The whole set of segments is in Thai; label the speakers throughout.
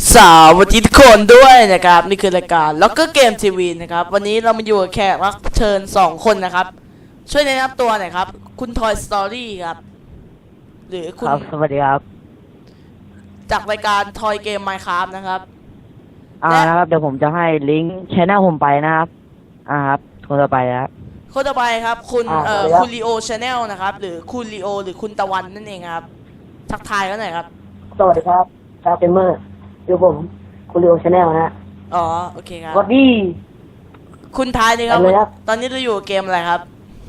Speaker 1: สวัสดีทุกคนด้วยนะครับนี่คือรายการล็อกเกอร์เกมทีวีนะครับวันนี้เรามาอยู่กับแขกรับเชิญ2 คนนะครับช่วยแนะนำตัวหน่อยครับคุณทอยสตอรี่ครับหรือคุณ
Speaker 2: ครับสวัสดีครับ
Speaker 1: จากรายการทอยเกมไมค์ครับนะครับ
Speaker 2: นะครับเดี๋ยวผมจะให้ลิงก์ชแนลผมไปนะครับครับคนต่อไปนะครับ
Speaker 1: คนต่อไปครับคุณ
Speaker 3: สวัสดีครับ
Speaker 1: คุณลีโอชาแนลนะครับหรือคุณลีโอหรือคุณตะวันนั่นเองครับทักทายกันหน่อยครับ
Speaker 3: สวัสดีครับชาวเกมเมอร์อยู่ผมคุณลีโอชาแนลนะฮะ
Speaker 1: อ๋อโอเคครับ
Speaker 3: สวัสดี
Speaker 1: คุณทายเลยครับ
Speaker 3: ไปเลยครับ
Speaker 1: ตอนนี้เราอยู่กับเกมอะไรครับ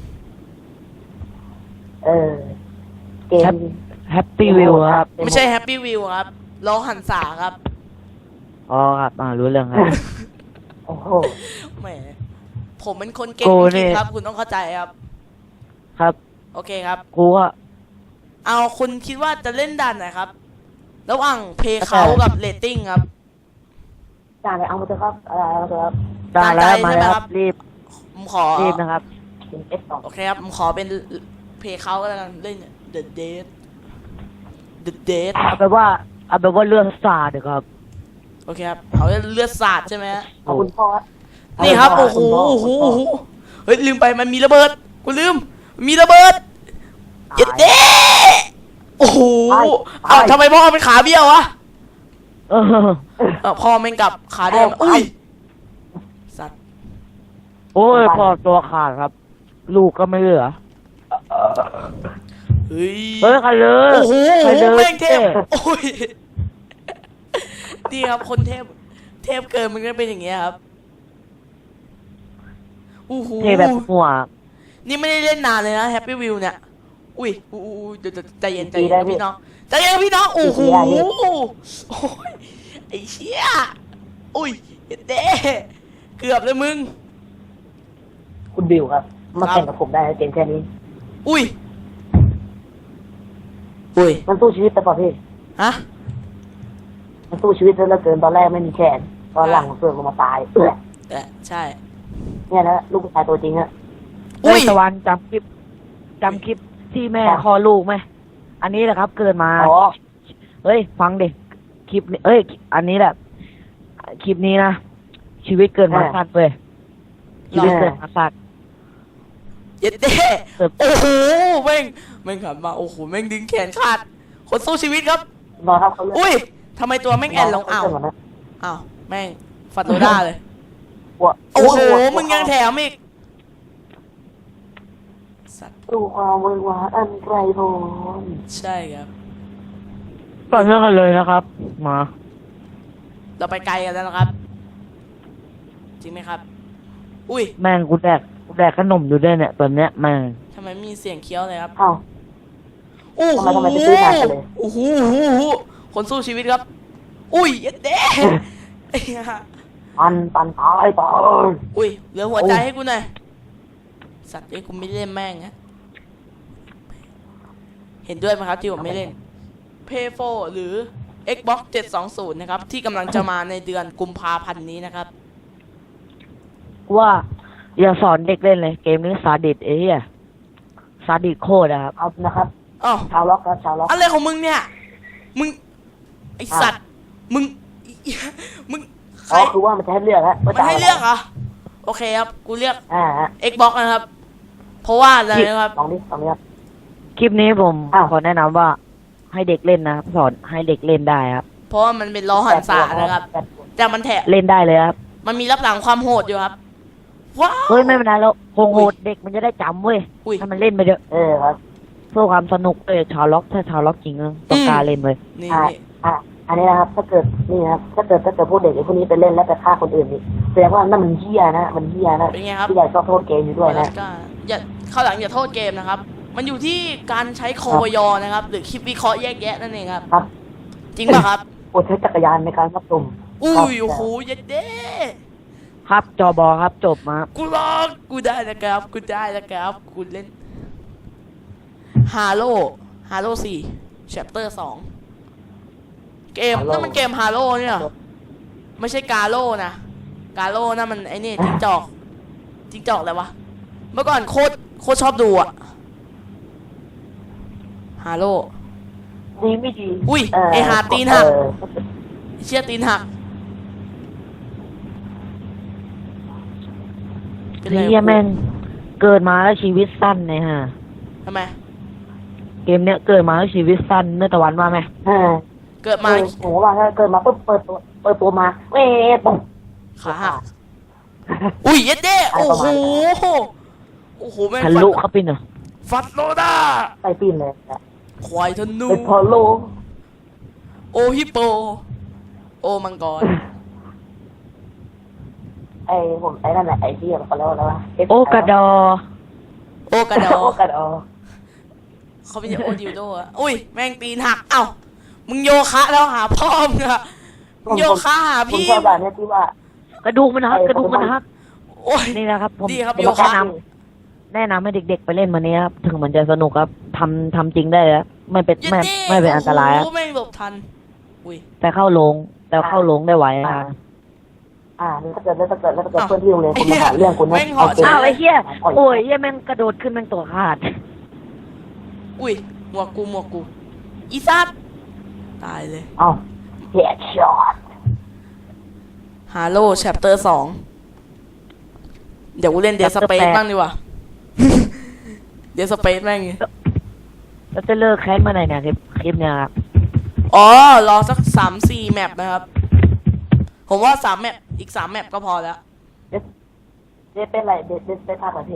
Speaker 3: เกม
Speaker 2: แฮปปี้วิวครับ
Speaker 1: ไม่ใช่แฮปปี้วิวครับล้อหันษาครับ
Speaker 2: อ๋อครับรู้เรื่องครับ
Speaker 3: โอ้โห
Speaker 1: แหมผมเป็นคนเก่ง
Speaker 2: โก
Speaker 1: จ
Speaker 2: เนี่
Speaker 1: ริง
Speaker 2: ย
Speaker 1: ๆครับ คุณต้องเข้าใจครับ
Speaker 2: ครับ
Speaker 1: โอเคครับ
Speaker 2: กูก็
Speaker 1: เอาคุณคิดว่าจะเล่นด่านไหนครับ ระหว่างเพย์เขากับเรตติ้งครับ
Speaker 3: จ่าเลยเอามาเถอะครับเอามาเถอะครับ
Speaker 2: ได้แล้ว
Speaker 1: ตามใจ
Speaker 2: มา
Speaker 1: ใช่ไหม
Speaker 2: แล้ว
Speaker 1: ค
Speaker 2: ค
Speaker 1: รั
Speaker 2: รับ บรีบ
Speaker 1: ผมขอ
Speaker 2: นะครับ
Speaker 3: เป็นS2
Speaker 1: โอเคครับ ผมขอเป็นเพย์เขาก็แล้วกันเล่น The Date The Date
Speaker 2: เอาแบบว่าเรื่องศาสตร์ครับ
Speaker 1: โอเคครับเอาเลือดสาดใช่ไหมฮะ
Speaker 3: เอาคุณพ่อ
Speaker 1: นี่ครับ โอ้โห โอ้โห โอ้โห เฮ้ย ลืมไป มันมีระเบิด กูลืม มีระเบิดเย็ดเด้โอ้โหอ้าวทำไมพ่อเป็นขาเบี้ยววะ
Speaker 2: เออ
Speaker 1: พ่อแม่งกลับขาเดิมอุ้ย สัตว์
Speaker 2: โอ้ยพอตัวขาดครับ ลูกก็ไม่เหลือ
Speaker 1: เฮ้ย
Speaker 2: เฮ้ยใครเลย
Speaker 1: โอ้โห
Speaker 2: ใครเลย
Speaker 1: แม่งเทพ โอ้ย นี่ครับ คนเทพ เทพเกินมันก็เป็นอย่างเงี้ยครับโอ้โห
Speaker 2: เทแบบหัว
Speaker 1: นี่ไม่ได้เล่นนานเลยนะแฮปปี้วิวเนี่ย อุ้ยเดี๋ยวใจเย็นใจเย็นนะพี่น้องใจเย็นพี่น้อง โอ้โหโอ้ยไอ้เชี่ยอุ้ยเด้เกือบเลยมึง
Speaker 3: คุณบิวครับ มาแข่งกับผมได้เกมแค่นี้
Speaker 1: อุ้ย
Speaker 3: มันสู้ชีวิตแต่ป่ะพี่
Speaker 1: ฮะ
Speaker 3: มันสู้ชีวิตเหลือเกินตอนแรกไม่มีแขนตอนหลังเสื่อมลงมาตาย
Speaker 1: ใช่
Speaker 3: เนี่ยนะลูกผู้ชายตัวจริงฮะ
Speaker 2: เฮ้ยตะวันจำคลิปที่แม่คลอดลูกไหมอันนี้แหละครับ เกิดมา
Speaker 3: อ๋อ
Speaker 2: เฮ้ยฟังดิคลิปนี้อันนี้แหละคลิปนี้นะชีวิตเกินมาสัตว์เว้ยชีวิตเกินมาสัตว์
Speaker 1: เย็ดเด้โอ้โหแม่งขับมาโอ้โหแม่งดึงแขนขาดคนสู้ชีวิตครับ
Speaker 3: รอครับเขาเลือก
Speaker 1: อุ้ยทำไมตัวแม่งแอนลงอ้าวอ้าวแม่งฟันโตด้าเลย โอ้โหมึงยังแถมอีกสัตว์
Speaker 3: ดูความเวอร์วาอันไกลโพ้น
Speaker 1: ใช่ครับ
Speaker 2: ต่อเนื่องกันเลยนะครับ มา
Speaker 1: เราไปไกลกันแล้วนะครับ จริงไหมครับ อุ้ย
Speaker 2: แม่งกูแดกขนมอยู่ด้วยเนี่ยตอนเนี้ยแม่ง
Speaker 1: ทำไมมีเสียงเคี้ยวเลยครับ
Speaker 3: เอ้า
Speaker 1: โอ้โห
Speaker 3: ทำไมไปซื้อนานจังเลย
Speaker 1: โอ้โหคนสู้ชีวิตครับ อุ้ยเย็ดเด้ไอ้ห่า
Speaker 3: ปันตายตาย
Speaker 1: อุ้ยเหลือหัวใจให้กูหน่อยสัตว์ไอ้กูไม่เล่นแม่งฮะเห็นด้วยไหมครับที่ผมไม่เล่น Play 4 หรือ Xbox 720 นะครับ ที่กำลังจะมาในเดือนกุมภาพันธ์นี้นะครับ
Speaker 2: ว่าอย่าสอนเด็กเล่นเลยเกมนี้ซาดิสเหี้ยซาดิสโคตรอะครับ
Speaker 3: เอานะครับ
Speaker 1: อ้าว
Speaker 3: ชาวล็อกครับชาวล็อก
Speaker 1: อะไรของมึงเนี่ย มึง ไอสัตว์ มึง มึงใคร
Speaker 3: อ๋อคือว่ามันจะให้เลือกฮะ
Speaker 1: มันให้เลือกเหรอ โอเคครับ กูเลือก
Speaker 3: ฮะ
Speaker 1: Xbox นะครับ เพราะว่าอะไรนะครับ
Speaker 3: ลองดิครับ
Speaker 2: คลิปนี้ผม
Speaker 3: อ้าว
Speaker 2: ขอแนะนำว่าให้เด็กเล่นนะครับสอนให้เด็กเล่นได้ครับ
Speaker 1: เพราะว่ามันเป็นล้อหันษานะครับ แต่มันแถะ
Speaker 2: เล่นได้เลยครับ
Speaker 1: มันมีรับหลังความโหดอยู่ครับ ว้าว
Speaker 2: เฮ้ยไม่เป็นไรแล้วโหดเด็กมันจะได้จำเว้ย
Speaker 1: อุ้ย
Speaker 2: ถ้ามันเล่นไปเถอะ
Speaker 3: ครับ
Speaker 2: เพื่อความสนุกเลยชาวล็อกถ้าชาวล็อกจริงต้องกล้ารเล่นเว้ย
Speaker 1: นี่
Speaker 3: อันนี้นะครับ ถ้าเกิดนี่นะครับถ้าเกิดพวกเด็กไอ้พวกนี้ไปเล่นแล้วไปฆ่าคนอื่นนี่แสดงว่านั่นมันเหี้ยนะมันเหี้ยนะ
Speaker 1: เป็นไงครับ
Speaker 3: ผู้ใหญ่ชอบโทษเกมอยู่ด้วยนะ
Speaker 1: อย่าเข้าหลังอย่าโทษเกมนะครับ มันอยู่ที่การใช้โคยอนะครับ หรือคลิปวิเคราะห์แยกแยะนั่นเองครับ
Speaker 3: ครับ
Speaker 1: จริงป่ะครับ
Speaker 3: โปรดใช้จักรยานในการรับชม
Speaker 1: อุ้ยโอ้โหเย็ดเด้
Speaker 2: ครับจอบอครับจบมา
Speaker 1: กูลองกูได้นะครับ กูได้นะครับ กูเล่นฮาโล4 chapter 2 เกมนั่นมันเกมฮาโลเนี่ยไม่ใช่กาโลนะกาโลนั่นมันไอ้นี่จิ้งจอกอะไรวะ เมื่อก่อนโคตรชอบดูอะฮาโล
Speaker 3: ดีไม่ดี
Speaker 1: อุ้ยไอ้หาตีนหักเชี่ยตีนหักเป็นไร
Speaker 2: เฮียแม่งเกิดมาแล้วชีวิตสั้นเลยฮะ
Speaker 1: ทำไม
Speaker 2: เกมเนี้ยเกิดมาแล้วชีวิตสั้นเนื้อตะวันว่าไหม
Speaker 1: เกิดมา
Speaker 3: โอ้โหว่าถ้าเกิดมาปุ๊บเปิดตัวมาเว้ยปุ๊บ
Speaker 1: ขาหักอุ้ยเย็ดเด้โอ้โหโอ้โหแม่ง
Speaker 2: ทะลุเข้าไปเนอะ
Speaker 1: ฟัดโลด้า
Speaker 3: ไปปีนเลย
Speaker 1: ควายธนู
Speaker 3: เป็นพอโล
Speaker 1: โอฮิปโป โอมังกร
Speaker 3: ผมไอ้นั่นแหละไอ้ที่เขาเรียกว่าอะไรวะ
Speaker 2: โอกระดอ
Speaker 1: โอกระดอ
Speaker 3: โอกระดอ
Speaker 1: เขาไม่ใช่โอดิวโดอะอุ้ยแม่งตีนหักเอ้ามึงโยคะแล้วหาพ่อมึงอะมึงโยคะหา
Speaker 3: ผม
Speaker 1: พี่
Speaker 3: ชอบแบบนี้ที่ว่าก
Speaker 2: ระดูกมันหักกระดูกมันหัก
Speaker 1: โอ้ย
Speaker 2: นี่นะครับผม
Speaker 1: ดีครับ
Speaker 2: ผม
Speaker 1: โยคะ
Speaker 2: แนะนำให้เด็กๆไปเล่นมันนี้ครับถึงมันจะสนุกครับทำจริงได้แล้วไม่เป็น
Speaker 1: เย็ด
Speaker 2: ไม่
Speaker 1: เด้
Speaker 2: ไม่เป็นอันตรายครับ
Speaker 1: โอ้โหแม่งหลบทันอุ้ย
Speaker 2: แต่เข้าโรงได้ไหวอ่ะ
Speaker 3: ถ้าเกิดเพื่อนที่โรงเรียนคุณมาหาเรื่องคุณนะ
Speaker 2: อ้าวไอ้เหี้ยโอ้ยเหี้ยแม่งกระโดดขึ้นแม่งตัวขาด
Speaker 1: อุ้ยหมวกกูอีซัดตายเลย
Speaker 3: เอ้าเฮ็ดช็อต
Speaker 1: ฮาโลแชปเตอร์2เดี๋ยวกูเล่นเดสเปซบ้างดีกว่า เดสเปซแม่ง
Speaker 2: แล้วจะเลิกแคสเมื่อไหร่เนี่ยคลิปเนี่ยครับ
Speaker 1: อ๋อ รอสัก3-4 แมปนะครับ ผมว่า3 แมปอีก3 แมปก็พอแล้ว
Speaker 3: เดเป็นไรเดเป็นภาคประเทศ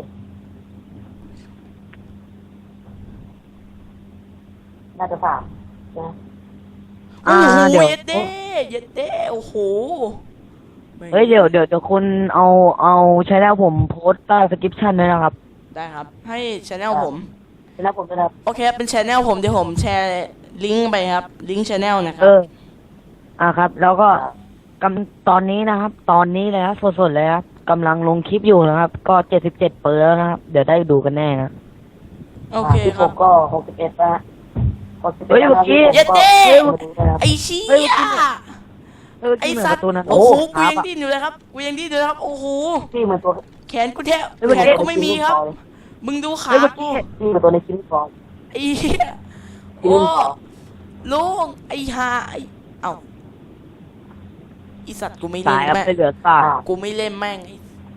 Speaker 3: น่าจะสามนะ
Speaker 1: โอ้โห
Speaker 2: เดี๋ยว
Speaker 1: เย็ดเด้โอ้โห
Speaker 2: เฮ้ยเดี๋ยวคุณเอาใช้แล้วผมโพสต์ใต้สคริปชั่นด้วยนะครับ
Speaker 1: ได้ครับ ให้ช anel ผม
Speaker 3: แล้วผมจะท
Speaker 1: โอเค เป็นช anel ผมเดี๋ยวผมแชร์ลิงก์ไปครับ ลิงก์ช anel นะครั
Speaker 2: ครับ แล้วก็ตอนนี้นะครับ ตอนนี้เลยครับสดๆเลยครับกำลังลงคลิปอยู่นะครับ ก็77 เปอร์แล้วนะครับ เดี๋ยวได้ดูกันแน่นะ
Speaker 3: ำ
Speaker 1: โอเค
Speaker 3: ที่
Speaker 1: ค
Speaker 3: ผ
Speaker 1: รับ
Speaker 3: มก็61นะ61
Speaker 2: เฮ้ยเมื่อกี้
Speaker 1: เย็ดเด้
Speaker 3: นะครับ
Speaker 1: ไอ้เชี่ยไอ้
Speaker 2: ที่เหมือน
Speaker 1: สัต
Speaker 2: การ์
Speaker 1: ว์
Speaker 2: ตูนนะ
Speaker 1: โอ้โห
Speaker 2: ค
Speaker 1: กู
Speaker 2: รับ
Speaker 1: ยังดิ้นอยู่เลยครับ กูยังดิ้นอยู่เลยครับ โอ้โห
Speaker 3: ที่เหมือนตัว
Speaker 1: แขนกูแทบ
Speaker 2: เฮ้ยเมื่อ
Speaker 1: แข
Speaker 2: กี้
Speaker 1: นกูไม่มีครับ มึงดูขา
Speaker 2: เฮ้ยเมื่อ
Speaker 1: กู
Speaker 2: กี้
Speaker 3: ที่เหมือนตัวในคิมฟอร์
Speaker 1: ไอ้เหี้ยโอ้ลุงไอ้ฮาไอ้เอ้าอีสัตว์กูไม่เล่
Speaker 2: ตาน ยครับ
Speaker 1: แม่ง
Speaker 2: ไม่เหลือซาก
Speaker 1: กูไม่เล่นแม่งไอ้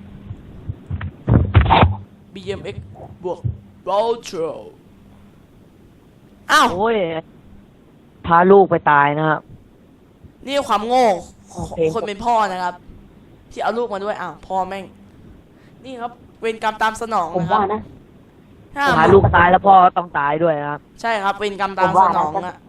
Speaker 1: BMX บวก Routro อ้าว
Speaker 2: โอ้ยพาลูกไปตายนะครับ
Speaker 1: นี่ความโง่ของคนเป็นพ่อนะครับ ที่เอาลูกมาด้วยอ้าวพ่อแม่ง นี่ครับ เวรกรรมตามสนอง
Speaker 3: ผม
Speaker 1: นะครับ
Speaker 3: ว่านะ
Speaker 1: ถ้า
Speaker 2: พาลูกตายแล้วพ่อต้องตายด้วยนะครับ
Speaker 1: ใช่ครับ เวรกรรม
Speaker 3: ผ
Speaker 1: ตาม
Speaker 3: ม
Speaker 1: ส
Speaker 3: ว่าน
Speaker 1: อง
Speaker 3: นะ
Speaker 1: อะ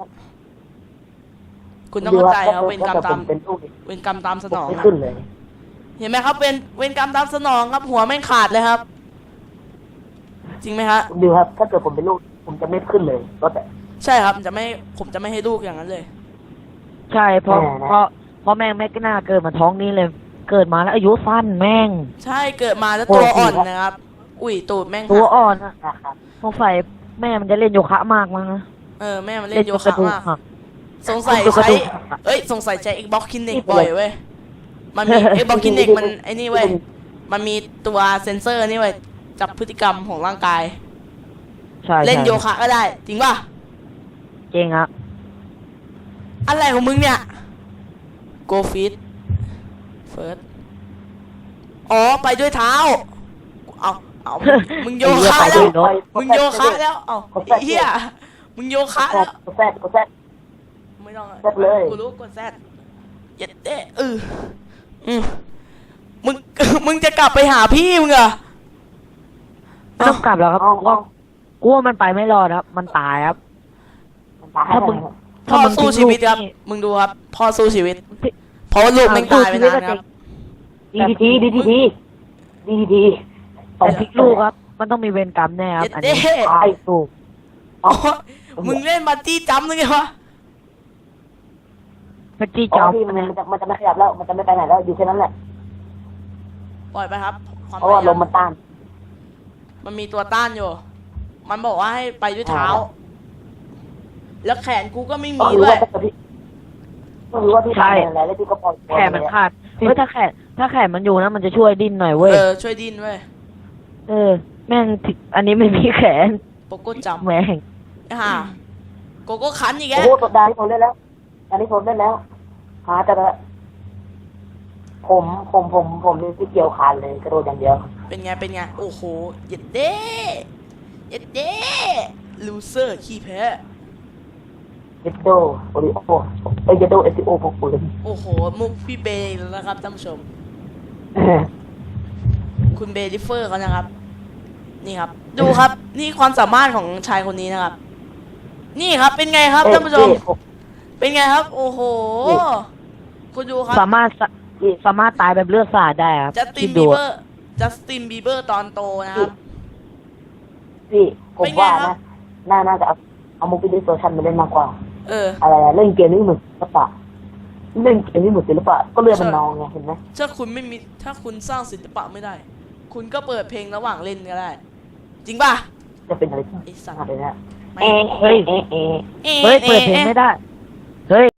Speaker 1: คุณต้องเข้าใจครับ เวรกรรมตาม
Speaker 3: เป็นลูก
Speaker 1: เวรกรรมตามสนอง
Speaker 3: ไม่
Speaker 1: อะ
Speaker 3: ขึ้นเลย
Speaker 1: เห็นไหมครับ เวรกรรมตามสนองครับ หัวแม่งขาดเลยครับ จริงไหมครับ
Speaker 3: ดูครับ ถ้าเกิดผมเป็นลูกผมจะไม่ขึ้นเลยก็แต่
Speaker 1: ใช่ครับผมจะไม่ให้ลูกอย่างนั้นเลย
Speaker 2: ใช่เพราะ
Speaker 3: แม่นะ
Speaker 2: เพราะแม่งไม่กล้าเกิดมาท้องนี้เลย เกิดมาแล้วอายุสั้นแม่ง
Speaker 1: ใช่เกิดมาแล้วตัวอ่อนนะครับ อุ้ยตูดแม่ง
Speaker 2: ตัว
Speaker 1: หัก
Speaker 2: อ่อนอะ
Speaker 3: นะครับ
Speaker 2: สงสัยแม่มันจะเล่นโยคะมากมั้งนะ
Speaker 1: แม่มันเล่นโยคะมาก
Speaker 2: หัก
Speaker 1: สงสัย
Speaker 2: กระ
Speaker 1: ใช้
Speaker 2: ดูกหัก
Speaker 1: สงสัยใช้ Xbox Kinect บ่อยเว้ย มันมี Xbox Kinect มันไอ้นี่เว้ย มันมีตัวเซนเซอร์นี่เว้ย จับพฤติกรรมของร่างกาย
Speaker 2: ใช่
Speaker 1: เล่น
Speaker 2: ใช่
Speaker 1: โยคะก็ได้ จริงป่ะ
Speaker 2: จริงครับ
Speaker 1: อะไรของมึงเนี่ย Go Fit First อ๋อ ไปด้วยเท้า เอามึงโยคะแล้ว มึงโยคะแล้ว เอาไอ้เหี้ย มึงโยคะแล้ว
Speaker 3: กดแซดกดแซด
Speaker 1: ไม่ต้อง
Speaker 3: แซดเลย
Speaker 1: กูรู้กดแซดเย็ดเด้มึง มึงจะกลับไปหาพี่มึงเหรอ
Speaker 2: ไม่ต้องกลับแล้วครับ
Speaker 3: เอา
Speaker 2: ว่ากูว่ามันไปไม่รอดครับ มันตายครับ
Speaker 3: มันตาย
Speaker 2: ถ้ามึง
Speaker 1: พ่อสู้ชีวิตครับ มึงดูครับ พ่อสู้ชีวิต เพราะว่าลูกแม่งตายไปนานครับ
Speaker 3: ดีดี
Speaker 2: แต่พลิกลูกครับ มันต้องมีเวรกรรมแน่ครับ อันนี้
Speaker 1: เย็ดเด้
Speaker 3: ตายสูบ
Speaker 1: อ๋อมึงเล่นบัตตี้จัมป์นึกไงวะ
Speaker 2: พัจี้
Speaker 3: อ๋
Speaker 2: จ
Speaker 3: อ
Speaker 2: อม
Speaker 3: พี่มันจะไม่ขยับแล้ว มันจะไม่ไปไหนแล้ว อยู่แค่นั้นแหละ
Speaker 1: ปล่อยไปครับ ความ
Speaker 3: เพราะว่า
Speaker 1: พยย
Speaker 3: ลมมันต้าน
Speaker 1: มันมีตัวต้านอยู่ มันบอกว่าให้ไปด้วยเท้า แล้วแขนกูก็ไม่
Speaker 3: ก็
Speaker 1: มี
Speaker 3: รู้
Speaker 1: ด้วย
Speaker 3: ว่าพี่ทำอะไรแล้วพี่ก็ปล่อย
Speaker 2: แขนมันขาดเฮ้ยถ้าแขนมันอยู่นะมันจะช่วยดิ้นหน่อยเว้ย
Speaker 1: ช่วยดิ้นเว้ย
Speaker 2: แม่งถึงอันนี้ไม่มีแขน
Speaker 1: โปโก้จัมป์
Speaker 2: แม่ง
Speaker 1: โกโก้คันอีกแก
Speaker 3: โอ้โหตัวดาที่ผมเล่นแล้วดาที่ผมเล่นแล้วจะผมนี่ที่เกี่ยวขาดเลยกระโดดอย่างเดียว
Speaker 1: เป็นไงเป็นไงโอ้โหเย็ดเด้เย็ดเด้ลูเซอร์ขี้แพ้
Speaker 3: เยดโดโอริโอเยดโดเอติโอพวกปืน
Speaker 1: โอ้โหมุกพี่เบย์แล้วนะครับท่านผู้ชม คุณเบย์ดิฟเฟอร์เขานะครับ นี่ครับ ดูครับ นี่ความสามารถของชายคนนี้นะครับ นี่ครับเป็นไงครับท่านผู้ชม เป็นไงครับ โอ้โห คุณดูครับ
Speaker 2: สามารถตายแบบเลือดสาดได้ครับ
Speaker 1: จัสติ
Speaker 2: คิ
Speaker 1: น
Speaker 2: ด
Speaker 1: บี
Speaker 2: ดู
Speaker 1: เบอร์จัสตินบีเบอร์ตอนโตนะครับ
Speaker 3: พี่ผม
Speaker 1: เป็นไง
Speaker 3: ว่า
Speaker 1: ครั
Speaker 3: นะ
Speaker 1: บ
Speaker 3: น่าจะเอามูฟี่ดิสโซชันมาเล่นมากกว่า
Speaker 1: เออ
Speaker 3: อะไรเล่นเกมนี้เหมือนศิลปะเล่นเกมนี้เหมือนศิลปะก็เรือมันนองไงเห็นไหม
Speaker 1: ถ้าคุณไม่มี ถ้าคุณสร้างศิลปะไม่ได้ คุณก็เปิดเพลงระหว่างเล่นก็ได้ จริงป่ะ
Speaker 3: จะเป็นอะไรที่
Speaker 1: ไอ้สัตว์
Speaker 3: อะไรนะ
Speaker 1: ไม่
Speaker 3: เอ๊ะเอ๊ะเอ๊ะ
Speaker 2: เฮ้ยเปิดเพลงไม่ได้ เฮ้ย